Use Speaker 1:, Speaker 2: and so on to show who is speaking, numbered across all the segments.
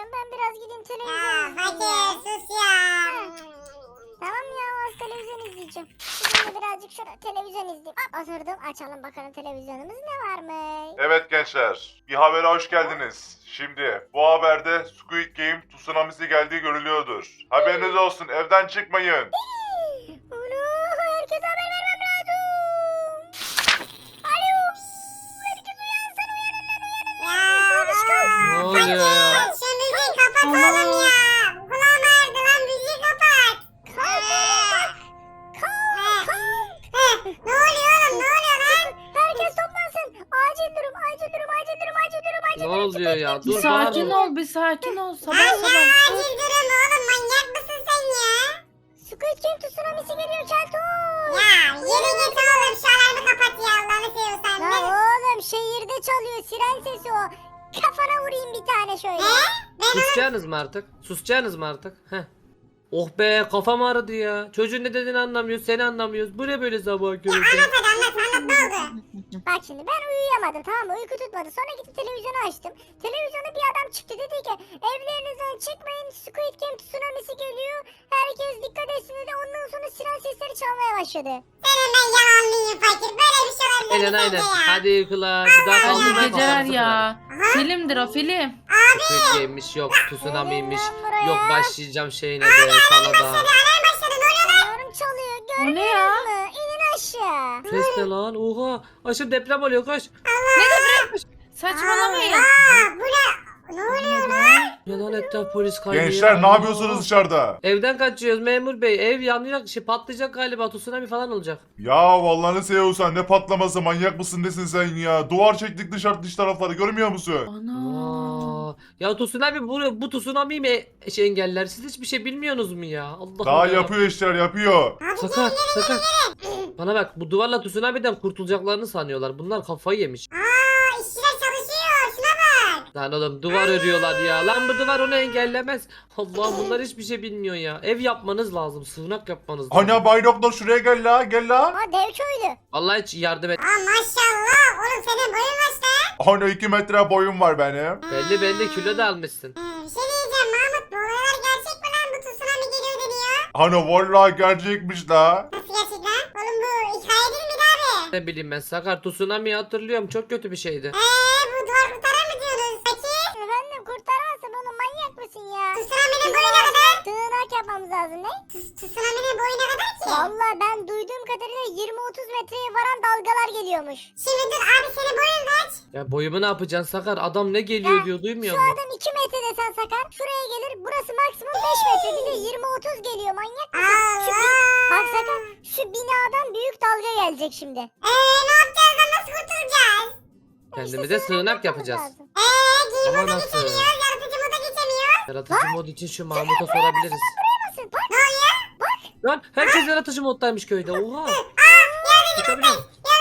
Speaker 1: izleyeceğim. Ben biraz gideyim televizyon
Speaker 2: Ya
Speaker 1: izleyeyim
Speaker 2: fakir
Speaker 1: ya.
Speaker 2: sus ya.
Speaker 1: Tamam ya, az televizyon izleyeceğim. Şimdi birazcık şöyle televizyon izleyeyim. Hop, oturdum, açalım bakalım televizyonumuz ne varmış.
Speaker 3: Evet gençler, bir habere hoş geldiniz. Şimdi bu haberde Squid Game tsunamisi geldiği görülüyordur. Haberiniz olsun, evden çıkmayın.
Speaker 1: Ulu, herkese haber vermem lazım. Alo. Herkes uyansın, uyanın lan, uyanın.
Speaker 2: Ya.
Speaker 1: Abiş kalk.
Speaker 4: Ne oluyor ya?
Speaker 2: Şu müziği kapat oğlum ya. Kulağım ağrıdı lan, müziği kapat. Ne oluyor oğlum, ne oluyor lan?
Speaker 1: Herkes toplansın. Acil durum, acil durum, acil durum, acil durum, acil
Speaker 4: Ne
Speaker 1: durum.
Speaker 4: oluyor ya?
Speaker 5: Bir
Speaker 4: Dur
Speaker 5: sakin
Speaker 4: bağırma.
Speaker 5: ol, bir sakin ol.
Speaker 2: Lan
Speaker 5: Sabah
Speaker 2: ne
Speaker 5: sabah.
Speaker 2: acil durum oğlum, manyak mısın sen ya?
Speaker 1: Squid Game tsunamisi geliyor Keltoş.
Speaker 2: Ya yürü git oğlum, şu alarmı kapat ya, Allah'ını seviyorsan.
Speaker 1: Ya oğlum, şehirde çalıyor, siren sesi o. Kafana vurayım bir tane şöyle.
Speaker 4: Susacaksınız mı artık? Susacaksınız mı artık? Heh. Oh be, kafam ağrıdı ya. Çocuğun ne dediğini anlamıyoruz, seni anlamıyoruz. Bu ne böyle sabah köründe?
Speaker 2: Anlat ne oldu?
Speaker 1: Bak şimdi ben uyuyamadım, tamam mı? Uyku tutmadı. Sonra gidip televizyonu açtım. Televizyona bir adam çıktı, dedi ki evlerinizden çıkmayın, Squid Game tsunamisi geliyor. Herkes dikkat etsin dedi. Ondan sonra siren sesleri çalmaya başladı.
Speaker 2: Senin ben yalanlıyım fakir, böyle bir şey olabilir
Speaker 4: Aynen
Speaker 2: mi
Speaker 4: aynen.
Speaker 2: sence ya?
Speaker 4: Hadi uykular. Bir daha
Speaker 5: Hadi
Speaker 4: kaldırma
Speaker 5: geceler
Speaker 4: kafamızı
Speaker 5: ya.
Speaker 2: Aha.
Speaker 5: Filmdir o film.
Speaker 4: Squid Game'miş, yok tsunami'ymiş.
Speaker 1: Gelin lan buraya.
Speaker 4: Yok başlayacağım şeyine de sana da.
Speaker 2: Alarm başladı, ne oluyor lan?
Speaker 1: Yorum çalıyor,
Speaker 5: O ne
Speaker 1: görmüyor
Speaker 5: ya?
Speaker 1: musun? İnin aşağı.
Speaker 4: Ses ne lan? Oha. Aşırı deprem oluyor, koş.
Speaker 5: Saçmalamayın.
Speaker 2: Bu ne? Ne oluyor lan?
Speaker 4: Ya lan, etraf polis kaynıyor.
Speaker 3: Gençler ne
Speaker 4: Allah.
Speaker 3: yapıyorsunuz dışarıda?
Speaker 4: Evden kaçıyoruz memur bey. Ev yanacak, patlayacak galiba. Tsunami falan olacak.
Speaker 3: Ya vallahi seviyorsan ne patlaması, manyak mısın nesin sen ya? Duvar çektik dış tarafları, görmüyor musun?
Speaker 5: Ana.
Speaker 4: Aa, ya tsunami bu tsunami mi engeller? Siz hiçbir şey bilmiyorsunuz mu ya? Allah
Speaker 3: Daha
Speaker 4: Allah.
Speaker 3: yapıyor işler, yapıyor.
Speaker 4: Sakar. Bana bak, bu duvarla tsunami'den kurtulacaklarını sanıyorlar. Bunlar kafayı yemiş.
Speaker 2: İşçiler çalışıyor, şuna bak.
Speaker 4: Lan oğlum, duvar örüyorlar ya. Lan bu duvar onu engellemez. Allah, bunlar hiçbir şey bilmiyor ya. Ev yapmanız lazım. Sığınak yapmanız lazım.
Speaker 3: Ana Bay Doktor şuraya gel la, gel la.
Speaker 1: Aa, dev köylü.
Speaker 4: Vallahi hiç yardım et.
Speaker 2: Maşallah, oğlum senin boyun kaç lan?
Speaker 3: Ana 2 metre boyum var benim.
Speaker 4: Belli kilo da almışsın.
Speaker 2: Bir şey diyeceğim Mahmut, bu olaylar gerçek mi lan? Bu tsunami geliyor deniyor.
Speaker 3: Ana vallahi gerçekmiş la.
Speaker 2: Nasıl gerçek lan? Oğlum bu hikaye değil miydi abi?
Speaker 4: Ne bileyim ben, Sakar, tsunami'yi hatırlıyorum. Çok kötü bir şeydi.
Speaker 2: Bu duvar kurtarar mı diyorsunuz? Fakir.
Speaker 1: Efendim, kurtaramazsın onu, manyak mısın ya?
Speaker 2: Tsunami'nin boyu ne kadar?
Speaker 1: Sığınak yapmamız lazım, ne?
Speaker 2: Tsunami'nin boyu ne kadar ki?
Speaker 1: Vallahi ben duyduğum kadarıyla 20-30 metreye varan dalgalar geliyormuş.
Speaker 2: Şimdi dur abi, senin boyun kaç?
Speaker 4: Ya boyumu ne yapacaksın Sakar? Adam ne geliyor
Speaker 1: Ya,
Speaker 4: diyor, duymuyor
Speaker 1: Şu
Speaker 4: musun?
Speaker 1: adam 2 metre desen Sakar. Şuraya gelir. Burası maksimum 5 metre. Bize 20-30 geliyor, manyak mısın? Bak Sakar, şu binadan büyük dalga gelecek şimdi.
Speaker 2: Ne yapacağız lan, nasıl kurtulacağız?
Speaker 4: Kendimize sığınak yapacağız.
Speaker 1: lazım.
Speaker 2: Game
Speaker 4: Ama
Speaker 2: moda
Speaker 4: nasıl?
Speaker 2: geçemiyoruz, yaratıcı moda geçemiyoruz.
Speaker 4: Yaratıcı mod için şu Mahmut'a sorabiliriz.
Speaker 1: Nasıl? Bak.
Speaker 4: Lan herkes yaratıcı moddaymış köyde. Oha. Uçabiliyor.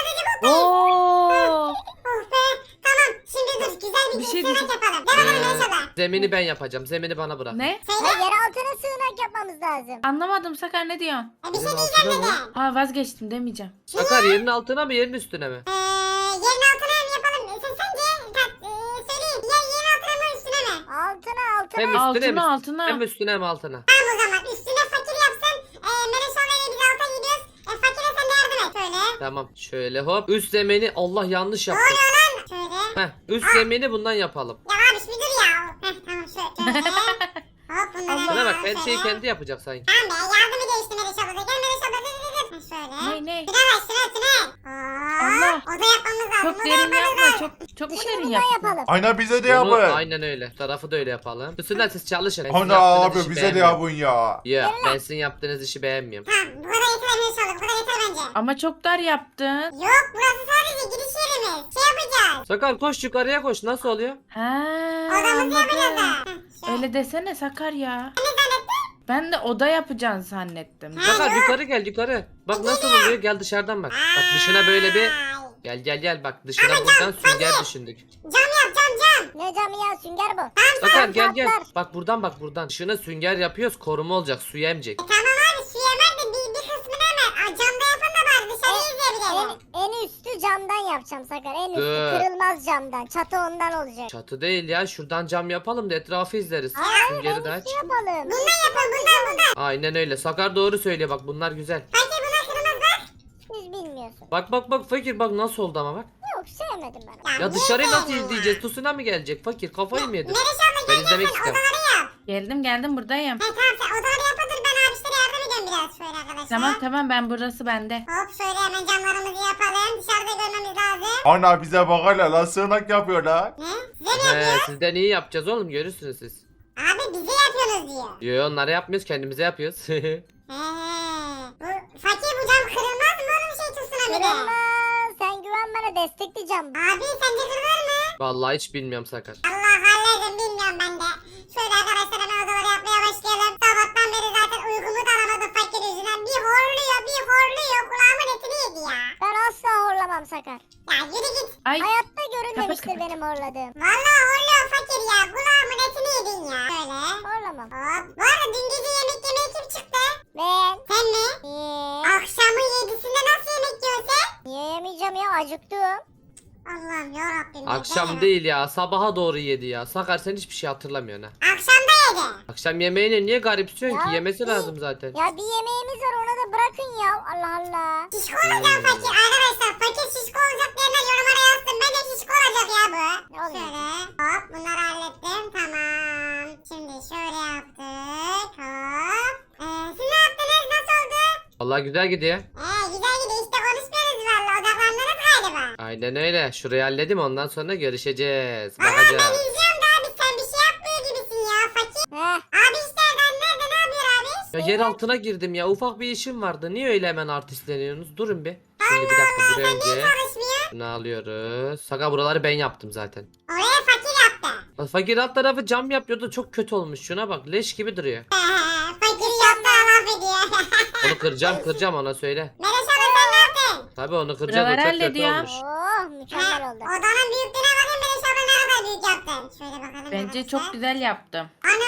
Speaker 5: Oo.
Speaker 2: Oh be, tamam. Şimdi dur, güzel bir
Speaker 5: Bir şey
Speaker 2: sığınak
Speaker 5: diyeceğim.
Speaker 2: yapalım. Değil mi Meşala?
Speaker 4: Zemini ben yapacağım. Zemini bana bırak.
Speaker 5: Ne?
Speaker 1: Ha, yer altına sığınak yapmamız lazım.
Speaker 5: Anlamadım Sakar, ne diyorsun?
Speaker 2: Bir şey
Speaker 4: Yerin
Speaker 2: diyeceğim
Speaker 4: altına mı?
Speaker 2: dedim.
Speaker 5: Aa, vazgeçtim demeyeceğim.
Speaker 4: Sakar, yerin altına mı yerin üstüne mi?
Speaker 2: Yerin altına mı yapalım? Sence söyleyin. Yerin altına mı üstüne mi?
Speaker 1: Altına
Speaker 4: Hem
Speaker 1: altına.
Speaker 4: üstüne mi?
Speaker 5: Altına.
Speaker 4: Hem üstüne hem altına.
Speaker 2: Tamam o zaman. Üstüne fakir yapsın. Meşala ile biz alta gidiyoruz. Fakire sen de yardım et. Şöyle.
Speaker 4: Tamam. Şöyle hop. Üst zemini, Allah yanlış yaptım.
Speaker 2: Şöyle.
Speaker 4: Heh, üst zemini bundan yapalım.
Speaker 2: Ya abi bir dur ya. Tamam şöyle. Hop bunları.
Speaker 4: Şuna bak, her
Speaker 2: şöyle.
Speaker 4: şeyi kendi yapacak sanki.
Speaker 2: Tamam be, yardımı geçti Meşala'da. Gel Meşala, dur. Şöyle.
Speaker 5: Ne?
Speaker 2: Şuna bak, şuna.
Speaker 5: Allah.
Speaker 2: Oda yapmamız lazım.
Speaker 5: Çok
Speaker 2: oda
Speaker 5: derin
Speaker 2: yapmamız
Speaker 5: yapma.
Speaker 2: lazım.
Speaker 5: Çok mu
Speaker 1: Dışını
Speaker 5: derin
Speaker 1: bundan
Speaker 5: yaptın?
Speaker 1: yapalım.
Speaker 3: Ana bize de
Speaker 4: Bunu
Speaker 3: yapın.
Speaker 4: aynen öyle. Tarafı da öyle yapalım. Üstünden siz çalışın. Ben sizin
Speaker 3: Ana
Speaker 4: yaptığınız
Speaker 3: abi
Speaker 4: işi
Speaker 3: bize de
Speaker 4: beğenmiyorum.
Speaker 3: yapın ya.
Speaker 4: Ya ben sizin yaptığınız işi beğenmiyorum.
Speaker 2: Tamam, bu kadar yeter Meşala. Bu kadar yeter bence.
Speaker 5: Ama çok dar yaptın.
Speaker 2: Yok, burası sadece giriş yerimiz. Şey yapacağız.
Speaker 4: Sakar koş, yukarıya koş. Nasıl oluyor?
Speaker 5: Ha,
Speaker 2: Odamızı yapacağız da.
Speaker 5: anladım. Öyle desene Sakar ya. Ben de oda yapacaksın zannettim.
Speaker 4: Sakar yukarı gel, yukarı. Bak nasıl oluyor, gel dışarıdan bak. Bak dışına böyle bir gel bak, dışına buradan sünger düşündük.
Speaker 2: Cam yap, cam.
Speaker 1: Ne camı ya, sünger bu.
Speaker 4: Sakar gel.
Speaker 1: patlar.
Speaker 4: Bak buradan. Dışına sünger yapıyoruz, koruma olacak, su emecek.
Speaker 2: Tamam abi, su yemer de bir kısmını hemen. Camda yapın da dışarıyı izleyebilelim.
Speaker 1: En üstü camdan yapacağım Sakar. En üstü
Speaker 4: Dur.
Speaker 1: kırılmaz camdan. Çatı ondan olacak.
Speaker 4: Çatı değil ya, şuradan cam yapalım da etrafı izleriz.
Speaker 1: Hayır,
Speaker 4: Süngeri
Speaker 1: en
Speaker 4: de aç.
Speaker 1: üstü yapalım.
Speaker 2: Bundan yapın bundan.
Speaker 4: Aynen öyle. Sakar doğru söylüyor, bak bunlar güzel.
Speaker 2: Fakir bunlar kırmızı bak.
Speaker 1: Siz bilmiyorsun.
Speaker 4: Bak fakir, bak nasıl oldu ama bak.
Speaker 1: Yok sevmedim ben onu.
Speaker 4: Ya
Speaker 2: niye
Speaker 4: dışarıyı nasıl
Speaker 2: sevmiyorsun ya?
Speaker 4: izleyeceğiz? Tsunami gelecek fakir, kafayı mı yedin?
Speaker 2: Melis abla
Speaker 4: Ben
Speaker 2: gel
Speaker 4: izlemek
Speaker 2: sen
Speaker 4: istiyorum.
Speaker 2: odaları yap.
Speaker 5: Geldim buradayım.
Speaker 2: He tamam sen odaları yapın ben abişlere yardım ediyorum biraz şöyle arkadaşlar.
Speaker 5: Tamam ben burası bende.
Speaker 2: Hop şöyle hemen camlarımızı yapalım. Dışarıda görmemiz lazım.
Speaker 3: Ana bize bak hala lan sığınak yapıyorlar.
Speaker 2: Ne? Size mi
Speaker 4: He,
Speaker 2: yapıyor?
Speaker 4: sizden iyi yapacağız oğlum, görürsünüz siz.
Speaker 2: Abi bize yapıyorsunuz diyor.
Speaker 4: Yo, onları yapmıyoruz, kendimize yapıyoruz.
Speaker 2: He. Fakir bu cam kırılmaz mı oğlum şey tutsun bir de.
Speaker 1: Kırılmaz. Sen güven bana destekleyeceğim.
Speaker 2: Abi sence kırılır mı?
Speaker 4: Vallahi hiç bilmiyorum Sakar.
Speaker 2: Allah hallederim bilmiyorum ben de. Şöyle arkadaşlar hemen odaları yapmaya başlayalım. Sabahtan beri zaten uykumu da alamadım fakir yüzünden. Bir horluyor. Kulağımın etini yedi ya.
Speaker 1: Ben asla horlamam Sakar.
Speaker 2: Ya yürü git.
Speaker 5: Ay
Speaker 1: Hayatta görünmemiştir
Speaker 5: kapat.
Speaker 1: benim horladığım.
Speaker 2: Vallahi horluyor fakir ya. Kulağımın etini yedin ya. Şöyle.
Speaker 1: Horlamam.
Speaker 2: Hop. Bu arada dün gece yemek yemeye kim çıktı?
Speaker 1: Ben.
Speaker 2: Sen mi?
Speaker 1: Niye?
Speaker 2: Akşamın 7'sinde nasıl yemek yiyorsun sen?
Speaker 1: Niye yemeyeceğim ya? Acıktım.
Speaker 2: Allah'ım yarabbim.
Speaker 4: Akşam değil ya, sabaha doğru yedi ya. Sakar, sen hiçbir şey hatırlamıyorsun ha.
Speaker 2: Akşam da yedi.
Speaker 4: Akşam yemeğini niye garipsiyorsun ki?
Speaker 1: Ya,
Speaker 4: Yemesi lazım zaten.
Speaker 1: Ya bir yemeğimiz var ona da bırakın ya. Allah Allah.
Speaker 2: Şişko olacağım fakir. Arkadaşlar fakir şişko olacak diyenler yorumlara yazsın. Ben de şişko olacak ya bu.
Speaker 1: Ne olacak?
Speaker 2: Şöyle hop bunları hallettim. Tamam. Şimdi şöyle yaptık. Hop. Siz ne yaptınız? Nasıl oldu?
Speaker 4: Vallahi güzel gidiyor.
Speaker 2: Güzel gidiyor. İşte konuşmuyoruz valla. Odaklandınız galiba.
Speaker 4: Aynen öyle. Şurayı halledim, ondan sonra görüşeceğiz.
Speaker 2: Valla ben
Speaker 4: Bakacağız.
Speaker 2: izliyorum da abi sen bir şey yapmıyor gibisin ya fakir.
Speaker 1: Heh.
Speaker 2: Abi işte nerede ne yapıyor abi?
Speaker 4: Ya yer altına girdim ya. Ufak bir işim vardı. Niye öyle hemen artistleniyorsunuz? Durun bir. Şimdi bir dakika, buraya
Speaker 2: Sen niye
Speaker 4: önce
Speaker 2: çalışmıyor?
Speaker 4: bunu alıyoruz. Sakar, buraları ben yaptım zaten.
Speaker 2: Oraya fakir yaptı.
Speaker 4: Fakir alt tarafı cam yapıyordu. Çok kötü olmuş. Şuna bak. Leş gibi duruyor.
Speaker 2: Fakir yaptı laf ediyor.
Speaker 4: Onu kıracağım ona söyle.
Speaker 2: Melis abla sen ne yaptın?
Speaker 4: Tabii onu kıracağız. O
Speaker 5: Buraları
Speaker 4: çok kötü
Speaker 5: hallediyor.
Speaker 4: olmuş.
Speaker 1: Oh mükemmel oldu.
Speaker 2: Odanın büyüklüğüne bakın Melis abla ne kadar büyük yaptın. Şöyle bakalım.
Speaker 5: Bence
Speaker 2: arkadaşlar.
Speaker 5: çok güzel yaptım.
Speaker 2: Ana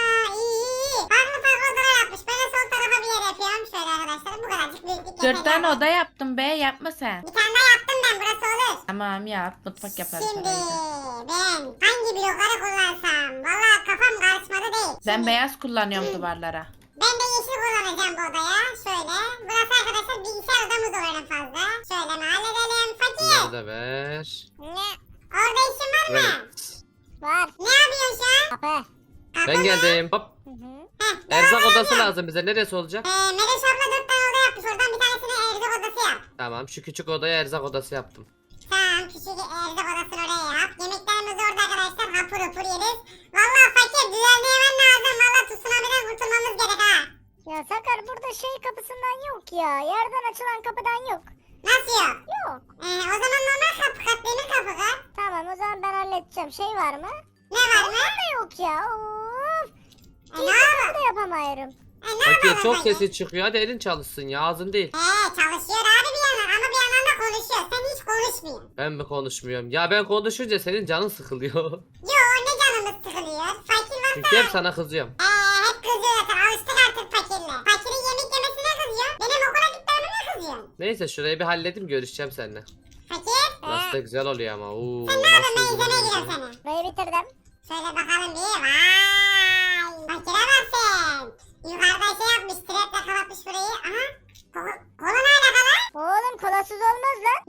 Speaker 2: iyi. Farklı odalar yapmış. Ben de sol tarafa bir yer yapıyorum. Şöyle arkadaşlar bu kadarcık büyüklük.
Speaker 5: 4 tane oda yaptım be, yapma sen.
Speaker 2: Bir tane daha yaptım ben burası olur.
Speaker 5: Tamam yap, mutfak yaparız.
Speaker 2: Şimdi
Speaker 5: orayı da.
Speaker 2: ben hangi blokları kullansam? Valla kafam karışmadı değil.
Speaker 5: Ben
Speaker 2: Şimdi
Speaker 5: beyaz kullanıyorum duvarlara.
Speaker 2: ben de yeşil kullanacağım bu odaya. Şöyle. Burası arkadaşlar bilgisayar odamız olur en fazla. Şöyle mi halledelim? Fakir.
Speaker 4: Bunları da ver.
Speaker 1: Ne?
Speaker 2: Orada işin var mı?
Speaker 4: Evet.
Speaker 1: Var.
Speaker 2: Ne yapıyorsun şu an?
Speaker 1: Kapı.
Speaker 2: Kapı
Speaker 4: Ben
Speaker 2: mı?
Speaker 4: geldim. Hop.
Speaker 1: Hı hı.
Speaker 2: Heh,
Speaker 4: Erzak
Speaker 2: devam
Speaker 4: odası
Speaker 2: edin.
Speaker 4: lazım bize. Neresi olacak?
Speaker 2: Melis abla 4 tane oda yapmış. Oradan bir tanesini erzak odası yap.
Speaker 4: Tamam, şu küçük odaya erzak odası yaptım.
Speaker 2: Tamam küçük erzak odasını oraya yap. Yemeklerimiz orada arkadaşlar. Hapur hapur yeriz. Valla fakir düzenleyemen lazım. Valla tsunami'den kurtulmamız gerek ha.
Speaker 1: Ya Sakar burada şey kapısından yok ya. Yerden açılan kapıdan yok.
Speaker 2: Nasıl yok?
Speaker 1: Yok.
Speaker 2: O zaman normal kapı kat, demir kapı kat.
Speaker 1: Tamam o zaman ben halledeceğim. Şey var mı?
Speaker 2: Ne var mı?
Speaker 1: Onlar da yok ya. Of.
Speaker 2: Ne
Speaker 1: İyi
Speaker 2: var?
Speaker 1: kapı da yapamıyorum.
Speaker 2: Ne
Speaker 4: Fakir
Speaker 2: var
Speaker 4: çok
Speaker 2: fakir?
Speaker 4: sesi çıkıyor. Hadi elin çalışsın ya, ağzın değil.
Speaker 2: Çalışıyor abi bir yandan ama bir yandan da konuşuyor. Sen hiç konuşmuyorsun.
Speaker 4: Ben mi konuşmuyorum? Ya ben konuşunca senin canın sıkılıyor.
Speaker 2: Yo ne canımız sıkılıyor. Fakir var.
Speaker 4: Çünkü hep sana kızıyorum.
Speaker 2: Hep kızıyor zaten. Alıştık artık fakirle. Fakirin yemek yemesine kızıyor. Benim okula gitmeme ne kızıyorsun?
Speaker 4: Neyse, şurayı bir halledeyim, görüşeceğim seninle.
Speaker 2: Fakir.
Speaker 4: Burası da güzel oluyor ama. Oo,
Speaker 2: Sen ne yapıyorsun? Ben
Speaker 4: nasıl
Speaker 2: izlemeye
Speaker 4: güzel
Speaker 2: gidiyorum
Speaker 4: oluyor.
Speaker 2: seni.
Speaker 1: Burayı bitirdim.
Speaker 2: Şöyle bakalım bir. Vay. Fakire bak sen. Yukarıda şey yapmış. Treple kapatmış burayı. Aha. Kola ne alaka lan?
Speaker 1: Oğlum kolasız olmaz lan.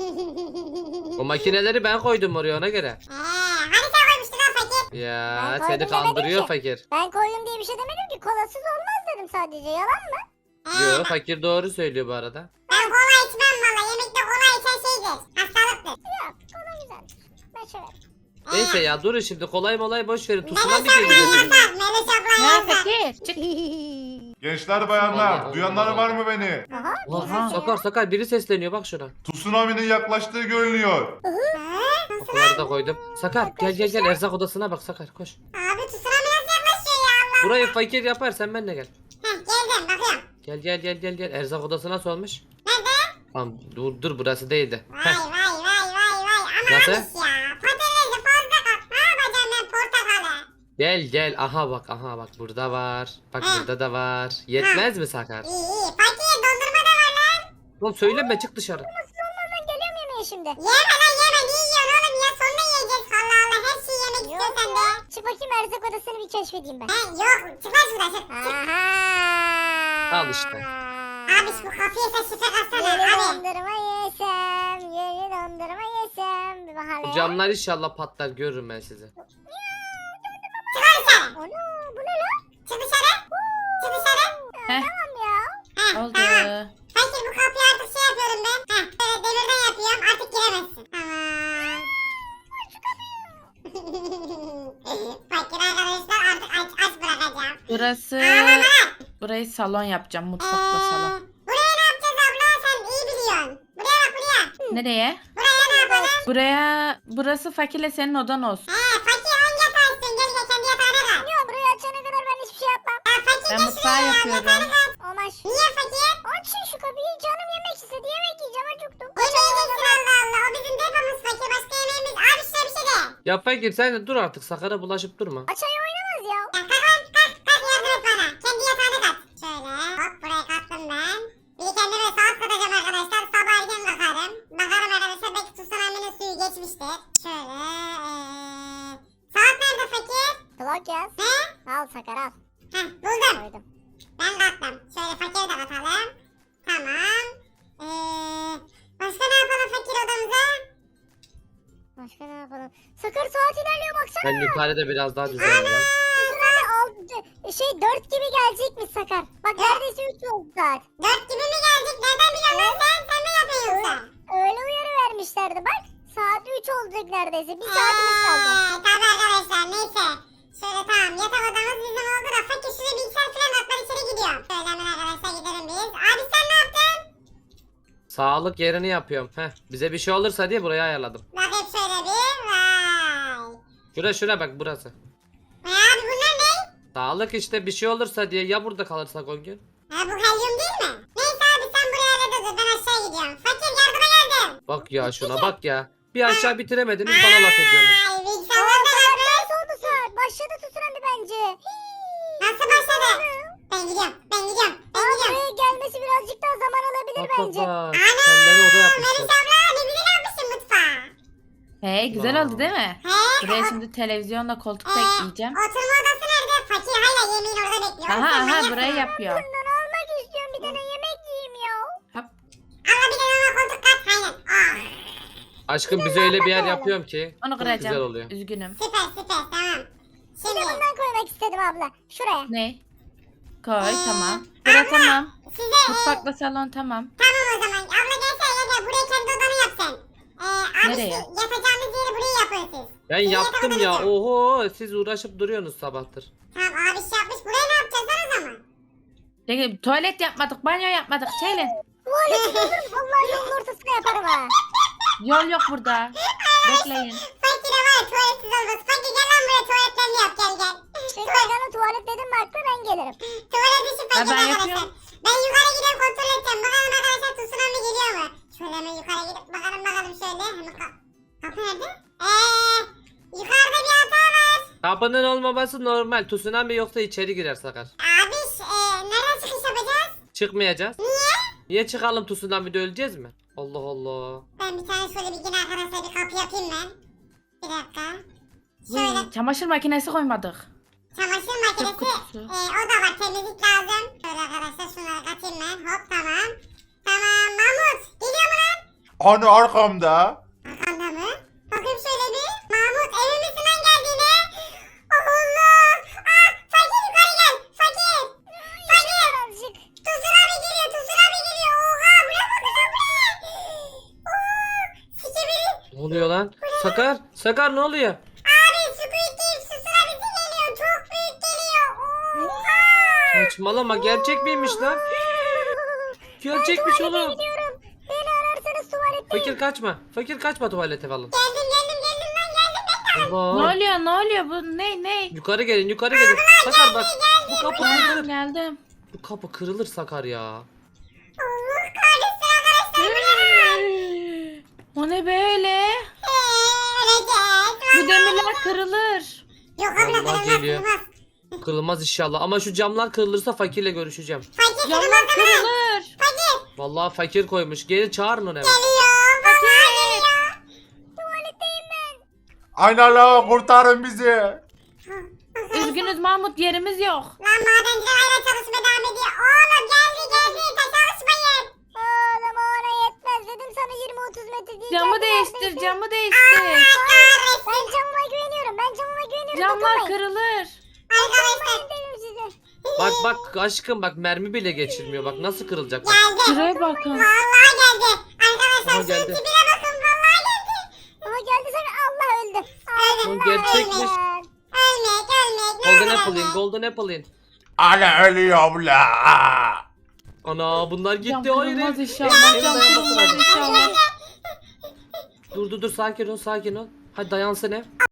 Speaker 4: O makineleri ben koydum oraya, ona göre.
Speaker 2: Hani sen koymuştun lan fakir?
Speaker 4: Ya
Speaker 1: Ben
Speaker 4: seni
Speaker 1: koydum
Speaker 4: kandırıyor
Speaker 1: demedim ki.
Speaker 4: fakir.
Speaker 1: Ben koyun diye bir şey demedim ki. Kolasız olmaz dedim sadece. Yalan mı?
Speaker 4: Yo, fakir doğru söylüyor bu arada.
Speaker 2: Ben kola içmem valla. Yemekte kola içen şeydir. Hastalıktır.
Speaker 1: Yok. Kola güzeldir. Ben severim.
Speaker 4: Neyse ya, durun şimdi, kolay molay boş verin.
Speaker 2: Melis
Speaker 4: Tsunami
Speaker 2: ablan
Speaker 4: geliyor.
Speaker 2: yasak. Melis ablan
Speaker 5: Ya
Speaker 2: yasak.
Speaker 5: fakir çık.
Speaker 3: Gençler bayanlar,
Speaker 4: Allah
Speaker 3: duyanlar
Speaker 4: Allah.
Speaker 3: var mı beni?
Speaker 1: Aha.
Speaker 5: Oha.
Speaker 4: Sakar biri sesleniyor, bak şuna.
Speaker 3: Tsunami'nin yaklaştığı görünüyor.
Speaker 4: Kapıları da koydum. Sakar gel erzak odasına bak Sakar, koş.
Speaker 2: Abi tsunami nasıl yaklaşıyor ya Allah.
Speaker 4: Burayı fakir yapar, sen benimle gel.
Speaker 2: Geldim bakıyorum.
Speaker 4: Gel erzak odası nasıl olmuş?
Speaker 2: Nerede?
Speaker 4: Tamam dur burası değildi.
Speaker 2: Vay
Speaker 4: Heh.
Speaker 2: vay vay vay vay. Ama
Speaker 4: Nasıl?
Speaker 2: abiş ya. Patatesi fazla kat. Ne yapacağım ben portakalı?
Speaker 4: Gel aha bak burada var. Bak burada da var. Yetmez mi Sakar?
Speaker 2: İyi iyi. Fakir dondurma da var lan.
Speaker 4: Oğlum söyleme çık dışarı.
Speaker 1: Ben geliyorum yemeğe şimdi.
Speaker 2: Yeme lan yeme. Niye yiyorsun oğlum ya? Sonra yiyeceğiz. Allah Allah. Her şeyi yemek
Speaker 1: Yok
Speaker 2: istiyorsan de.
Speaker 1: ya. Çık bakayım erzak odasını bir keşfedeyim ben.
Speaker 2: He yok. Çık lan şuradan çık.
Speaker 1: Aha.
Speaker 4: Al işte.
Speaker 2: Abi şu kapıya sen şifre katsana
Speaker 1: Yeni
Speaker 2: abi.
Speaker 1: dondurma yesem, yeni dondurma yesem. Bir bak
Speaker 4: Bu
Speaker 1: hele.
Speaker 4: camlar inşallah patlar görürüm ben sizi.
Speaker 2: Çık lan dışarı.
Speaker 1: Onu bu ne lan?
Speaker 2: Çık dışarı. Çık dışarı.
Speaker 5: Heh,
Speaker 1: Tamam ya.
Speaker 2: Heh,
Speaker 5: oldu.
Speaker 2: tamam. Fakir bu kapıyı artık şey yapıyorum ben. Heh böyle demirden yapıyorum. Artık giremezsin. Tamam. Fakir arkadaşlar artık aç bırakacağım.
Speaker 5: Burası... Burayı salon yapacağım. Mutfakla salon.
Speaker 2: Buraya ne yapacağız abla? Sen iyi biliyorsun. Buraya bak buraya.
Speaker 5: Nereye?
Speaker 2: Buraya ne yapalım?
Speaker 5: Burası fakirle senin odan olsun.
Speaker 2: Fakir hangi yatağı istiyorsun? Gel gel kendi yatağına kal.
Speaker 1: Ya burayı açana kadar ben hiçbir şey yapmam.
Speaker 2: Fakir
Speaker 5: Ben
Speaker 2: gel
Speaker 5: mutfağı
Speaker 2: şuraya ya.
Speaker 5: yapıyorum.
Speaker 2: Yatağını kal.
Speaker 1: Olmaz.
Speaker 2: Niye fakir?
Speaker 1: Açın şu kapıyı. Canım yemek istedi. Yemek yiyeceğim. Acıktım.
Speaker 2: Yemeyeceksin Allah Allah. O bizim depomuz fakir. Başka yemeğimiz. Abi şuna bir şey de.
Speaker 4: Ya fakir sen de dur artık Sakar'a bulaşıp durma.
Speaker 1: Açayı oynamaz ya.
Speaker 2: Ya kalk lan kalk. Kalk yardım et bana. Kendi yatağına kat. Şöyle hop buraya kattım ben. Bir de kendime saat katacağım arkadaşlar. Sabah erken bakarım. Bakarım arkadaşlar belki tsunami'nin suyu geçmiştir. Şöyle saat nerede fakir?
Speaker 1: Clock yaz.
Speaker 2: Ne?
Speaker 1: Al Sakar al.
Speaker 2: Heh buldum.
Speaker 1: Koydum.
Speaker 2: Ben kattım. Şöyle fakiri de katalım. Tamam. Başka ne yapalım fakir odamıza?
Speaker 1: Başka ne yapalım? Sakar saat ilerliyor baksana.
Speaker 4: Ben yukarıda biraz daha düzenleyeyim.
Speaker 1: Şey 4 gibi gelecekmiş Sakar. Bak neredeyse 3 oldu saat.
Speaker 2: 4 gibi mi geldik? Nereden biliyorsun lan sen? Sen mi yapıyorsun yoksa?
Speaker 1: Öyle uyarı vermişlerdi bak. Saat 3 olacak neredeyse. Bir saatimiz kaldı.
Speaker 2: Tabii arkadaşlar neyse. Şöyle tamam yatak odamız bizim oldu da fakir şuraya bilgisayar falan atlar içeri gidiyorum. Şöyle hemen arkadaşlar gidelim biz. Abi sen ne yaptın?
Speaker 4: Sağlık yerini yapıyorum. Heh, bize bir şey olursa diye burayı ayarladım.
Speaker 2: Bakayım şöyle bir. Vay.
Speaker 4: Şura bak burası.
Speaker 2: Abi bunlar ne?
Speaker 4: Sağlık işte bir şey olursa diye ya burada kalırsak o gün.
Speaker 2: Ha bu helyum değil mi? Neyse abi sen buraya halledin dur ben aşağı gidiyorum. Fakir yardıma geldim.
Speaker 4: Bak ya şuna bak ya. Bir aşağı bitiremediniz bana laf ediyorsunuz.
Speaker 2: Ay bilgisayarlar da kaldı.
Speaker 1: Nasıl oldu saat? Başladı tsunami bence.
Speaker 2: Nasıl başladı? Ben gidiyorum. Ben gidiyorum. Ben
Speaker 1: Ama
Speaker 2: gidiyorum.
Speaker 1: buraya gelmesi birazcık daha zaman alabilir
Speaker 4: Bak bak
Speaker 1: bence.
Speaker 4: bak. Kendilerine oda
Speaker 2: Melis
Speaker 4: yapmışlar.
Speaker 2: abla ne güzel yapmışsın mutfağı.
Speaker 5: Hey güzel oldu değil mi?
Speaker 2: He?
Speaker 5: Buraya şimdi televizyonla koltuk da ekleyeceğim.
Speaker 2: Oturma odası nerede? Fakir hala yemeğin orada bekliyor.
Speaker 5: Aha
Speaker 2: Sen
Speaker 5: aha
Speaker 2: manyak
Speaker 5: burayı
Speaker 2: mısın?
Speaker 5: yapıyorum.
Speaker 1: Bundan almak istiyorum. Bir tane yemek yiyeyim ya.
Speaker 5: Hop.
Speaker 2: Allah bir tane ona koltuk kat. Aynen.
Speaker 4: Aşkım bize öyle bir yer yapıyorum ki.
Speaker 5: Onu
Speaker 4: Çok güzel
Speaker 5: kıracağım.
Speaker 4: oluyor.
Speaker 5: Üzgünüm.
Speaker 2: Süper süper tamam.
Speaker 1: Bir
Speaker 2: Şimdi
Speaker 1: de bundan koymak istedim abla. Şuraya.
Speaker 5: Ne? Koy tamam. Bura tamam.
Speaker 2: size
Speaker 5: Mutfakla salon tamam.
Speaker 2: tamam o zaman. Abla gelsene gel buraya kendi odanı yap sen. Abi
Speaker 5: Nereye?
Speaker 2: yatacağınız yeri buraya yapın siz.
Speaker 4: Ben
Speaker 2: Sizin
Speaker 4: yaptım
Speaker 2: yatak
Speaker 4: ya.
Speaker 2: odanız
Speaker 4: Oho siz uğraşıp duruyorsunuz sabahtır.
Speaker 2: Tamam abi iş yapmış. Buraya ne yapacağız lan o zaman?
Speaker 5: Peki, tuvalet yapmadık, banyo yapmadık. Çeylin.
Speaker 1: Tuvaleti bulurum. Vallahi yolun ortasına yaparım ha.
Speaker 5: Yol yok burada. Bekleyin.
Speaker 2: Fakire var ya tuvaletsiz olmaz. Fakir gel lan buraya tuvaletlerini yap gel gel.
Speaker 1: Şimdi bana tuvalet dedim mi aklı ben gelirim.
Speaker 2: Tuvalet işi fakir
Speaker 5: ben
Speaker 2: arkadaşlar.
Speaker 5: yapıyorum.
Speaker 2: Ben yukarı gidip kontrol edeceğim. Bakalım arkadaşlar tsunami geliyor mu? Şöyle hemen yukarı gidip bakalım şöyle. Hemen kapı nerede? Yukarıda bir hata var.
Speaker 4: Kapının olmaması normal. Tsunami yoksa içeri girer Sakar.
Speaker 2: Abi nereden çıkış yapacağız?
Speaker 4: Çıkmayacağız.
Speaker 2: Niye?
Speaker 4: Niye çıkalım tsunami'de öleceğiz mi? Allah Allah.
Speaker 2: Ben bir tane şöyle bir yine arkadaşlar bir kapı yapayım ben. Bir dakika. Şöyle
Speaker 5: Uy, çamaşır makinesi koymadık.
Speaker 2: çamaşır makinesi.
Speaker 5: kutusu.
Speaker 2: O da var temizlik lazım. Şöyle arkadaşlar şunları katayım ben. Hop tamam. Tamam Mahmut. Geliyor mu lan?
Speaker 3: Hani arkamda?
Speaker 2: Arkanda mı? Bakayım şöyle bir. Mahmut emin misin lan geldiğine? Allah. Fakir yukarı gel. Fakir. Fakir.
Speaker 1: Azıcık.
Speaker 2: Tsunami geliyor. Tsunami geliyor. Oha. Bu ne bakıyorsun bu ne? Sikibiri.
Speaker 4: Ne oluyor lan? Sakar. Sakar ne oluyor?
Speaker 2: Abi Squid Game tsunamisi geliyor. Çok büyük geliyor. Oha.
Speaker 4: Saçmalama gerçek miymiş lan? Gerçekmiş
Speaker 1: Tuvalete
Speaker 4: oğlum.
Speaker 1: gidiyorum. Beni ararsanız tuvaletteyim.
Speaker 4: Fakir kaçma. Fakir kaçma tuvalete falan.
Speaker 2: Geldim lan geldim.
Speaker 4: Allah.
Speaker 5: Ne oluyor ne oluyor bu ne?
Speaker 4: Yukarı gelin yukarı gelin. Sakar bak. Bu kapı
Speaker 5: Geldim
Speaker 4: kırılır.
Speaker 5: geldim.
Speaker 4: Bu kapı kırılır Sakar ya.
Speaker 2: Allah kahretsin arkadaşlar.
Speaker 5: O ne böyle?
Speaker 2: Öleceğiz.
Speaker 5: Bu demirler kırılır.
Speaker 2: Yok abla
Speaker 4: Allah
Speaker 2: kırılmaz
Speaker 4: geliyor.
Speaker 2: kırılmaz.
Speaker 4: Kırılmaz inşallah ama şu camlar kırılırsa fakirle görüşeceğim.
Speaker 2: Fakir
Speaker 5: Camlar
Speaker 2: kırılmaz ama.
Speaker 5: kırılır.
Speaker 2: Fakir.
Speaker 4: Vallahi fakir koymuş. Geri çağırın onu hemen.
Speaker 2: Geliyor. Vallahi geliyor.
Speaker 1: Tuvaletteyim ben.
Speaker 3: Aynen la kurtarın bizi.
Speaker 5: Üzgünüz Mahmut, yerimiz yok.
Speaker 2: Lan madenciler hala çalışmaya devam ediyor. Oğlum geldi. Çalışmayın.
Speaker 1: Oğlum ona yetmez dedim sana 20-30 metre değil.
Speaker 5: Camı
Speaker 1: Geldi,
Speaker 5: değiştir,
Speaker 1: neredesin?
Speaker 5: camı değiştir.
Speaker 1: Ben camıma güveniyorum.
Speaker 5: Camlar
Speaker 1: Dokunmayın.
Speaker 5: kırılır.
Speaker 2: Arkadaşlar
Speaker 1: Dedim size.
Speaker 4: Bak aşkım bak mermi bile geçirmiyor. Bak nasıl kırılacak. Bak.
Speaker 2: geldi.
Speaker 5: Şuraya bakın.
Speaker 2: Vallahi geldi. Arkadaşlar
Speaker 4: Aha,
Speaker 2: şu
Speaker 4: geldi.
Speaker 2: tipine bakın. Vallahi geldi.
Speaker 1: Ama geldi sana Allah öldü.
Speaker 2: Öldüm.
Speaker 4: Bu gerçekmiş.
Speaker 2: Ölmek.
Speaker 4: Golden apple in, golden apple in.
Speaker 3: Ana ölüyorum la.
Speaker 4: Ana bunlar
Speaker 5: Cam
Speaker 4: gitti. Hayır.
Speaker 5: kırılmaz
Speaker 4: ev-
Speaker 5: inşallah.
Speaker 4: ev
Speaker 5: Cam
Speaker 4: dayanması
Speaker 5: kırılmaz
Speaker 4: lazım.
Speaker 5: inşallah.
Speaker 4: Dur sakin ol. Hadi dayansın ev.